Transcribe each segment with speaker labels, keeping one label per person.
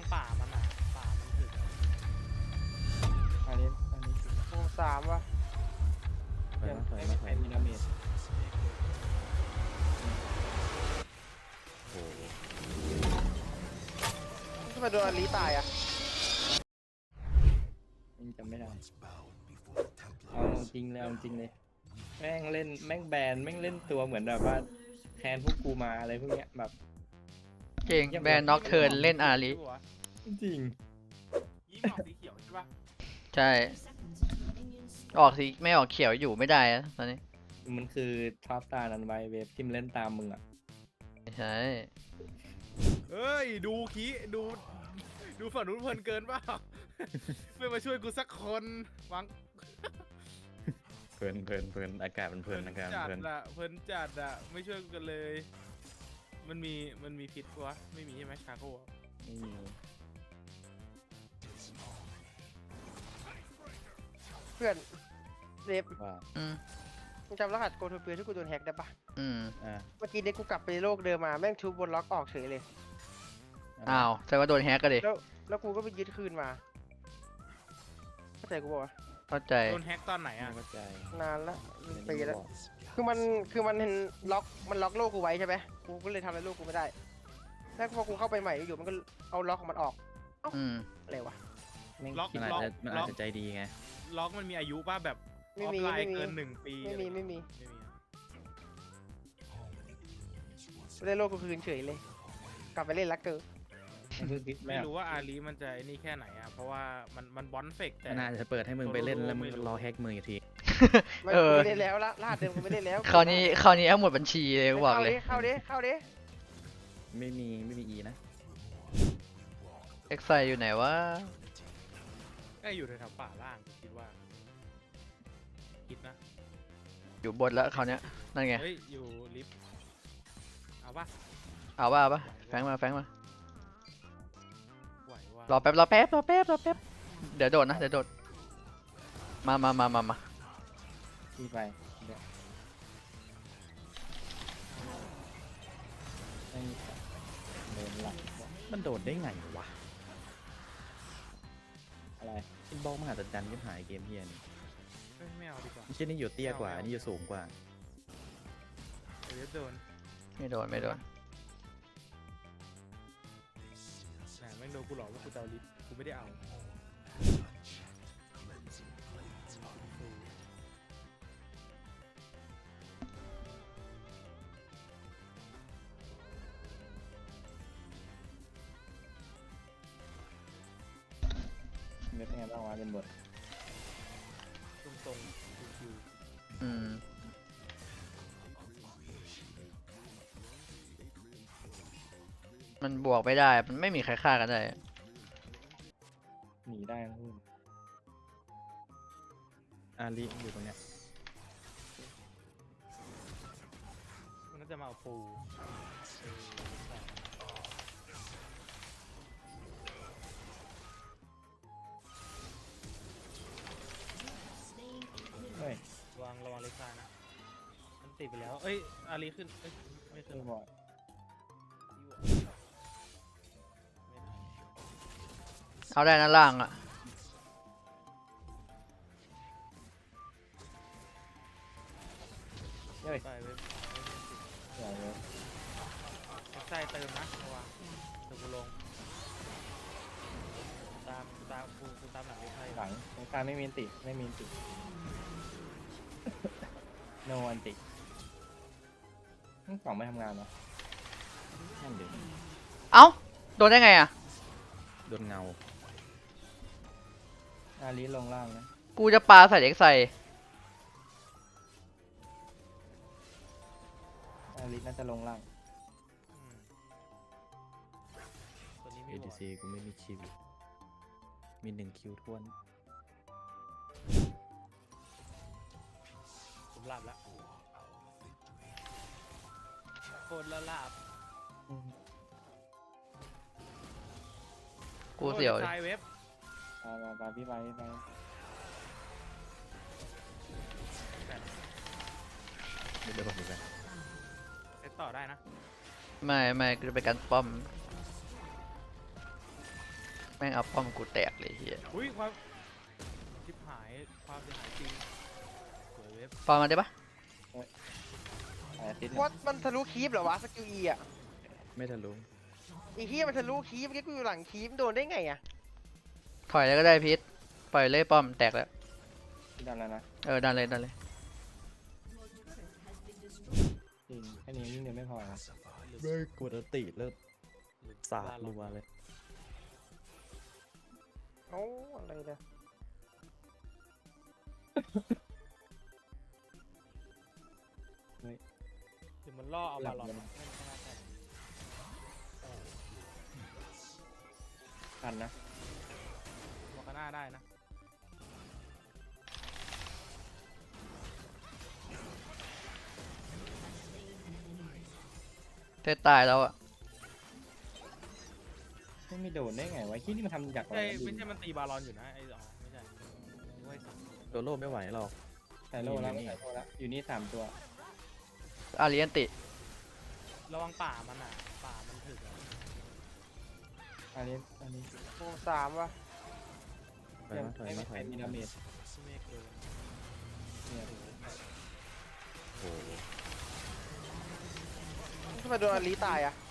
Speaker 1: งป่ามันอ่ะป่ามันถึก
Speaker 2: อันนี้
Speaker 3: วงสามวะ
Speaker 2: ถอยมาถอย
Speaker 1: ไม่
Speaker 2: มาถ
Speaker 1: เป็
Speaker 2: อย
Speaker 1: นมีดาเมจ
Speaker 2: โอ้โห
Speaker 3: ทำไมโดนอาลีตายอ่ะ
Speaker 2: ยังจำไม่ได้เอาจริงเลยเอาจริงเลยแม่งเล่นแม่งแบนแม่งเล่นตัวเหมือนแบบว่าแทนพวกกูมาอะไรพวกเนี้ยแบบ
Speaker 4: เก่งแบนน็อกเทิร์นเล่นอาริ
Speaker 2: จริง
Speaker 1: ยิ้มออกสีเขียวใช่ปะ
Speaker 4: ใช่ออกสิไม่ออกเขียวอยู่ไม่ได้อะตอนนี้
Speaker 2: มันคือท็อปตานันไวเวฟที่มันเล่นตามมึงอ่ะ
Speaker 4: ไม่ใช่
Speaker 1: เฮ้ยดูขี้ดูฝั่งนู้นเพลินเกินเปล่า ไม่มาช่วยกูสักคนวาง
Speaker 2: เพลินอากาศมันเพลินอากาศมัน
Speaker 1: จัด
Speaker 2: เพลิน
Speaker 1: อะเพลินจัดอะไม่ช่วยกูกันเลย มันมีพิษปะวะไม่มีใช่ไหมชาโก้อะ
Speaker 2: ไม่มี
Speaker 3: เพื่อนเดฟ
Speaker 2: ว่า
Speaker 4: อืม
Speaker 3: มึงจำรหัสโกทูเปียที่กูโดนแฮกได้ปะ
Speaker 4: อืม
Speaker 2: อ่า
Speaker 3: เมื่อกี้เด็กกูกลับไปโลกเดิมมาแม่งชูบนล็อกออกเฉยเลย
Speaker 4: อ้าวแสดงว่าโดนแฮกก็ดิ
Speaker 3: แล้วกูก็ไปยึดคืนมาเข้าใจกูบอกว่า
Speaker 4: เข้าใจ
Speaker 1: โดนแฮกตอนไหน
Speaker 2: ไม่
Speaker 1: อะ
Speaker 2: เข้าใจ
Speaker 3: นานละเป็น
Speaker 2: ไม่
Speaker 3: ปี
Speaker 2: ได้
Speaker 3: แล้ว
Speaker 2: บอก
Speaker 3: คือมันเห็นล็อกมันล็อกโลกกูไว้ใช่ไหมกูก็เลยทำอะไรโลกกูไม่ได้แล้วพอกูเข้าไปใหม่อยู่มันก็เอาล็อกของมันออก
Speaker 4: อืม
Speaker 3: อะไรวะ
Speaker 2: แม่งคิดมันอาจจะใจดีไง
Speaker 1: ล็อกมันมีอายุป่ะแบบอ
Speaker 3: ไม่
Speaker 1: อฟ
Speaker 3: มี
Speaker 1: ไล
Speaker 3: ไม่
Speaker 1: น์
Speaker 3: มี
Speaker 1: เกิน1 ปี
Speaker 3: ไม่มีไม่มี
Speaker 1: ไม่มีอะ
Speaker 3: ได้โลกกูคืนเฉยเลย กลับไปเล่นลักเกอร์
Speaker 1: ไม่รู้ว่าอาลีมันจะไอ้นี่แค่ไหนอะเพราะว่ามันบอนเฟกแต่
Speaker 2: มันอาจจะเปิดให้มึงไปเล่นแล้วมึง
Speaker 1: ไม่รู้
Speaker 2: รอแฮกมืออีกที
Speaker 3: ไม่
Speaker 4: เออ
Speaker 3: กูไม่เล่นแล้วละรหัสเดิมกูไม่เล่นแล้ว
Speaker 4: คราวนี้เอาหมดบัญชีเลยกูบอกเลย
Speaker 3: เข้าดิ
Speaker 2: ไม่มีอีนะ
Speaker 4: เอ็กไซอยู่ไหนวะ
Speaker 1: ก็อยู่แถวๆป่าล่างคิดว่าคิดนะ
Speaker 4: อยู่บนแล้วคราวเนี้ยนั่นไง
Speaker 1: เฮ้ยอยู่ลิฟต์เอาปะ
Speaker 4: เอาปะแฟงมา
Speaker 1: ไหวว่ะ
Speaker 4: รอแป๊บเดี๋ยวโดดนะเดี๋ยวโดดมา
Speaker 2: ที่ไปเดี๋ยวไม่มีโดนหลังมันโดดได้ไงวะอะไรอินบ็อกมหาจัดจันยิ่งหายเกมเฮียนี่
Speaker 1: เฮ้ยไม่เอาดีกว่า
Speaker 2: ไม่ใช่นี่อยู่เตี้ยกว่าอันนี่อยู่สูงกว่า
Speaker 1: เดี๋ยวโดน
Speaker 4: ไม่โดน
Speaker 1: แหมแม่งโดนกูหลอกว่ากูจะเอาลิฟต์กูไม่ได้เอา
Speaker 2: เม็ดเป็นไงบ้างวะเป็นบท
Speaker 1: ตรงๆคิว
Speaker 4: อืมมันบวกไม่ได้มันไม่มีใครฆ่ากันได้
Speaker 2: หนีได้นะพูดอาลีอยู่ตรงเนี้ย
Speaker 1: ๆมันน่าจะมาเอาปู
Speaker 2: เฮ้ย
Speaker 1: ระวังเล็กซ้ายนะมันติดไปแล้วเอ้ยอาลีขึ้นเอ้ยไม่ขึ้น
Speaker 2: ไม่บอด
Speaker 4: เอาได้นะล่างอ่ะ
Speaker 2: เฮ้ย
Speaker 1: ไปเว็บ
Speaker 2: อย่าเลย
Speaker 1: ใส่เติมนะระวังเดี๋ยวกูลงตามกูตามหลังไอ้ไทย
Speaker 2: หลังตรงกลางไม่มีอันติโนอันติทั้งสองไม่ทำงานเหรอนั่นเดี๋ยว
Speaker 4: เอ้าโดนได้ไงอ่ะ
Speaker 2: โดนเงาอาลีลงล่างนะ
Speaker 4: กูจะปาใส่เอ็กไซ
Speaker 2: อาลีน่าจะลงล่าง
Speaker 1: อืมตัวนี้
Speaker 2: เอ
Speaker 1: ไม่
Speaker 2: ดี
Speaker 1: บอ
Speaker 2: ซีกูไม่มีคิวมี1 คิวท้วน
Speaker 1: ผมหลับแล้วโคตรละลาบ
Speaker 4: กูเสียว
Speaker 1: โอ้
Speaker 4: เลย
Speaker 1: ทายเว็บ
Speaker 2: ไปพี่ไปเดี๋ยวผมดูกัน
Speaker 1: เซตต่อได้นะ
Speaker 4: ไม่กูจะไปกันป้อมแม่งเอาป้อมกูแตกเลยเฮีย
Speaker 1: อุ้ยความชิบหายความเสียหายจริงสวยเว็บ
Speaker 4: ปอนมาได้ปะ
Speaker 2: อาทิตย์
Speaker 3: ว่ามันทะลุคีบเหรอวะสกิล E อ่ะ
Speaker 5: ไม่ทะลุ
Speaker 3: ไอ้เหี้ยมันทะลุคีบเมื่อกี้กูอยู่หลังคีบโดนได้ไงอ่ะ
Speaker 4: ถอยแล้วก็ได้พีทปล่อยเลยป้อมแตกแล้ว
Speaker 2: ที่ดันแล้วนะ
Speaker 4: ดันเลยดันเลย
Speaker 2: จริงแค่นี้ยิ่งเดียวไม่พอนะ
Speaker 5: ไม่กดติเลิกสาดรัวเลย
Speaker 3: เอ้าอะไรเนี่ย
Speaker 1: เดี๋ยวมันล่อเอาบาลอนไม่น่าใช่
Speaker 2: ทันนะ
Speaker 1: มอร์กาน่าได้นะ
Speaker 4: เทตายแล้วอ่ะ
Speaker 2: ไม่โดนได้ไงวะที่นี่มันทำจากอะไร
Speaker 1: ไม่ใช่มันตีบาลอนอยู่นะไอ้อ๋อไม่ใช่ไม่ใช่
Speaker 5: โดนโลไม่ไหวหรอก
Speaker 2: ใส่โลแล้วไม่ใส่โลแล้วอยู่นี่3 ตัว
Speaker 4: อารีอันติ
Speaker 1: ระวังป่ามันอ่ะป่ามันถึกอ่ะ
Speaker 2: อันนี้
Speaker 3: วง3วะ
Speaker 5: ถอยมาถอยมาถอย
Speaker 2: มี
Speaker 5: มา
Speaker 2: ดาเมจ
Speaker 1: พี่เมฆโดน
Speaker 2: เนี่ย
Speaker 5: โอ้โห
Speaker 3: ทำไมโดนอลีตายอ่ะ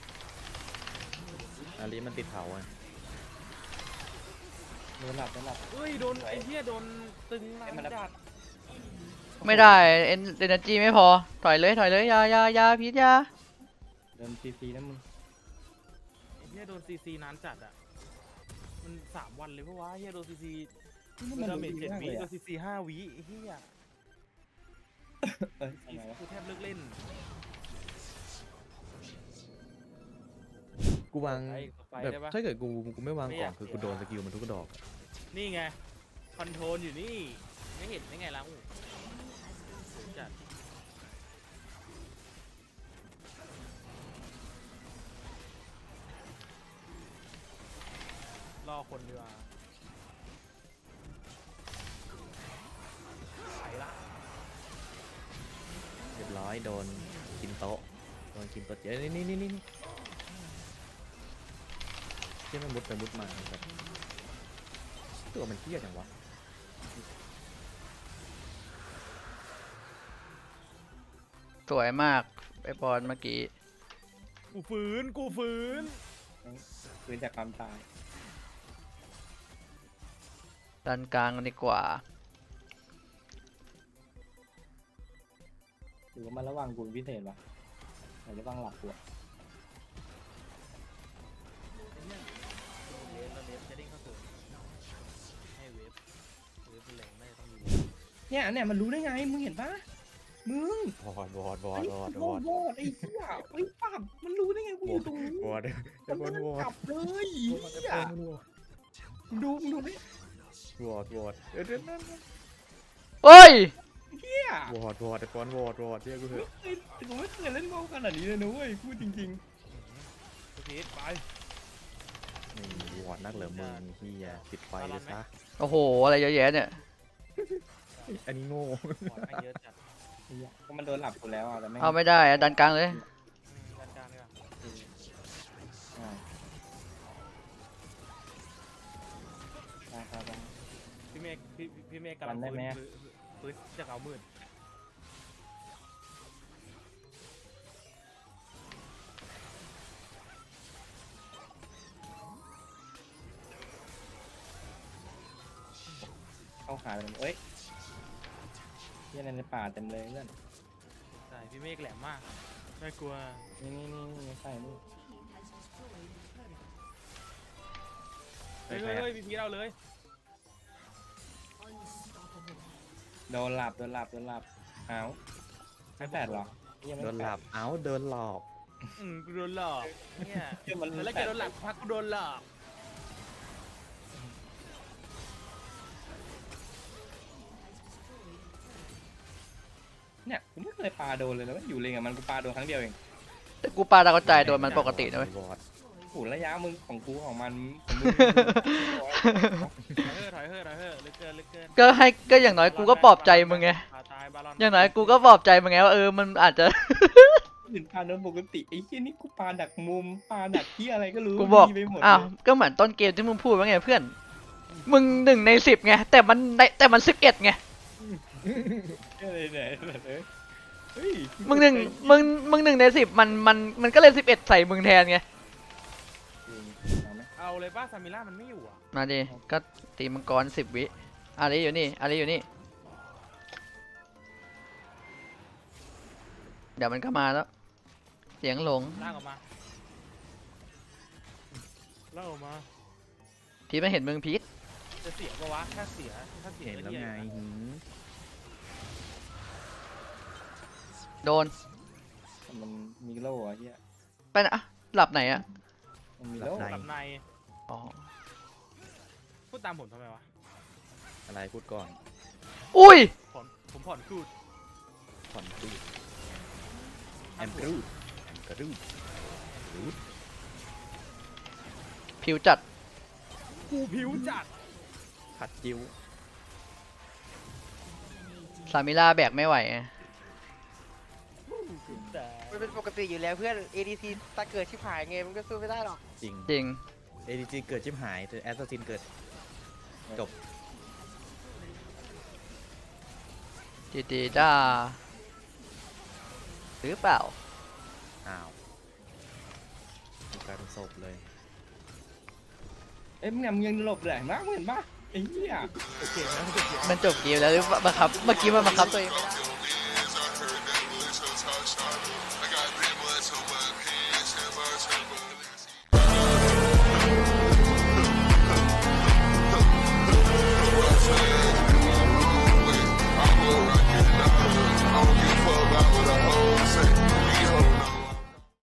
Speaker 5: อาลีมันติดเผาอ่ะ
Speaker 2: โดนหลับ
Speaker 1: เอ้ยโดนไอ้เหี้ยโดนตึงหลังจัด
Speaker 4: ไม่ได้เอ็นเอเนจีไม่พอถอยเลยอยาพีทอยา
Speaker 2: โดนฟรีๆนะมึง
Speaker 1: ไอ้เหี้ยโดนซีซีนานจัดอ่ะมัน3 วันเลยเพราะว่าเหี้ยโดนซีซี
Speaker 2: มัน
Speaker 1: ดาเมจ
Speaker 2: ดี
Speaker 1: 7
Speaker 2: มาก
Speaker 1: วิ
Speaker 2: เลย
Speaker 1: โด
Speaker 2: อะ
Speaker 1: นซีซี5 วิไอ้เหี้ย
Speaker 2: เอ้ยทำไมวะ
Speaker 1: กูแทบเลิกเล่น
Speaker 5: กูวาง
Speaker 1: ไป
Speaker 5: แบบ
Speaker 1: ได้ปะ
Speaker 5: ถ้าเกิดกูไม่วาง
Speaker 1: ไม่
Speaker 5: ก
Speaker 1: อ
Speaker 5: ล่
Speaker 1: ยา
Speaker 5: อก งคือกูโดนสกิลมันทุกดอก
Speaker 1: นี่ไงคอนโทรลอยู่นี่ไม่เห็นได้ไงล่ะอู้จัดรอคนดีกว่าไปละ
Speaker 5: เรียบร้อยโดนกินโต๊ะโดนกินโต๊ะเยอะนี่ที่มันมุดไปมุดมาแบบตัวมันเที้ยจังวะ
Speaker 4: สวยมากไอปอนเมื่อกี้
Speaker 1: กูฝืน
Speaker 2: ฟื้นจากความตาย
Speaker 4: ดันกลางกันดีกว่า
Speaker 2: หรือว่ามันระวังกูเป็นพิเศษวะหรือระวังหลับกูอะ
Speaker 1: เวฟจะเด้งเข้าสู่ให้เวฟเป็นแหล่งไม่ต้องมี
Speaker 2: เนี่ยมันรู้ได้ไงมึงเห็นปะมึง
Speaker 5: วอด
Speaker 2: โวดไอ้เหี้ยไอ้ปับมันรู้ได้ไงกูอยู่ตรงนี้
Speaker 5: วอด
Speaker 2: มันไม่ได้กลับเลยเหี้ยดูนี่
Speaker 5: วอดเดี๋ยวนั่น
Speaker 4: เอ้ย
Speaker 2: เหี้ยว
Speaker 5: อดไอ้ฟอนวอดเรียกกูเถอะ
Speaker 2: ผมไม่เคยเล่นโมขนาดนี้เลยนะเว้ยพูดจริง
Speaker 1: ทุกทีไป
Speaker 5: นี่วอดนักเหลือมึงที่ปิดไฟเลยซะ
Speaker 4: โอ้โหอะไรเยอะแยะเนี่ย
Speaker 5: อันนี้โง่
Speaker 1: บอดไม่เยอะจัด
Speaker 2: ๆเหี้ยก็มันโดนหลับกูแล้วอ่ะแต่ไม่
Speaker 4: เอาไม่ได้อะดันกลางเลย
Speaker 1: ด้านกลางดีกว่า
Speaker 2: ครับ
Speaker 1: พี่เมฆพี่เมฆกำลัง
Speaker 2: จำได้ไหม
Speaker 1: ฟื้นจากเอามืด
Speaker 2: เข้าขาเลยเอ้ยเหี้ยในป่าเต็มเลยเพื่อน
Speaker 1: ใช่พี่เมฆแหลมมากน่ากลัว
Speaker 2: นี่ใส่นี่
Speaker 1: เฮ้ยพี่พีเราเลย
Speaker 2: โดนหลับเอ้าไม่แปดหรอ
Speaker 5: โดนหลับเอ้าเดินหลอก
Speaker 1: กูโดนหลอกเนี่ย
Speaker 2: มัน
Speaker 1: แล้วแกโดนหลักพักกูโดนหลอก
Speaker 2: เนี่ยกูไม่เคยปาโดนเลยนะอยู่เลงกับมันกูปาโดนครั้งเดียวเอง
Speaker 4: แต่กูปาดาวกระจายโดนมันปกตินะเว้ยว
Speaker 5: อด
Speaker 2: โอ้ระยะมึงของกูของมันของมึง
Speaker 1: ถอยเฮ้ลึกเกิน
Speaker 4: ก็อย่างน้อยกูก็ปลอบใจมึงไง
Speaker 1: ตายบาลอน
Speaker 4: อย่างน้อยกูก็ปลอบใจมึงไงว่ามันอาจจะ
Speaker 2: อื่นปาโดนปกติไอ้เหี้ยนี่กูปาดักมุมปาดักที่อะไรก็รู้
Speaker 4: กูบอก
Speaker 2: มีไปหมด
Speaker 4: อ้าว
Speaker 2: เลย
Speaker 4: ก็เหมือนต้นเกมที่มึงพูดว่าไงเพื่อน มึง1 ใน 10ไง แต่มัน11ไง
Speaker 2: อะไรเนี่ยเฮ้ย
Speaker 4: มึง1 ใน 10มันก็เล่น11ใส่มึงแทนไง
Speaker 2: เอาไหม
Speaker 1: เอาเลยป้าซามิล่ามันไม่อยู่อ่ะ
Speaker 4: มาดิ ก็ตีมังกร10 วิอารีอยู่นี่อารีอยู่นี่ เดี๋ยวมันก็มาแล้ว เสียงหลง
Speaker 1: ลากออกมาลากออกมา
Speaker 4: พีทไม่เห็นมึงพีท
Speaker 1: จะเสียปะวะถ้าเสียก็
Speaker 5: เห็นแล้ว
Speaker 1: หี้ย
Speaker 5: ไง
Speaker 1: อยู่นะ
Speaker 5: หืม
Speaker 4: โดน
Speaker 2: มันมีโล่อะเหี้ย
Speaker 4: ไปนะอะหลับไหนอะ
Speaker 2: มันมีโล่
Speaker 5: หลับ
Speaker 1: หลับใน
Speaker 4: อ๋อ
Speaker 1: พูดตามผมทำไมวะ
Speaker 5: อะไรพูดก่อน
Speaker 4: อุ้ย
Speaker 1: ผมผ่อนคูด
Speaker 5: ผ่อนรูดแอมกรูดแอมกรูดรูด
Speaker 4: ผิวจัด
Speaker 1: กูผิวจัด
Speaker 5: ขัดจิ้ว
Speaker 4: ซามิล่าแบกไม่ไหวอะ
Speaker 3: มันเป็นปกติอยู่แล้วเพื่อน ADC ตาเกิดชิบหายไงมันก็สู้ไม่ได้หรอก
Speaker 5: จริง
Speaker 4: จริง
Speaker 5: ADG เกิดชิบหายแต่แอสซัสซินเกิดจบ
Speaker 4: ดีจ้าหรือเปล่า
Speaker 5: อ้าวดูกลายเป็นศพเลย
Speaker 2: เอ้ยมึงเนี่ยมึงยังหลบเลยมากเห็นปะไอ้เหี้ย
Speaker 1: โอเคนะโอเค
Speaker 4: มันจบเกมแล้วหรือเปล่าบังคับ เมื่อกี้มันบังคับตัวเองไม่ได้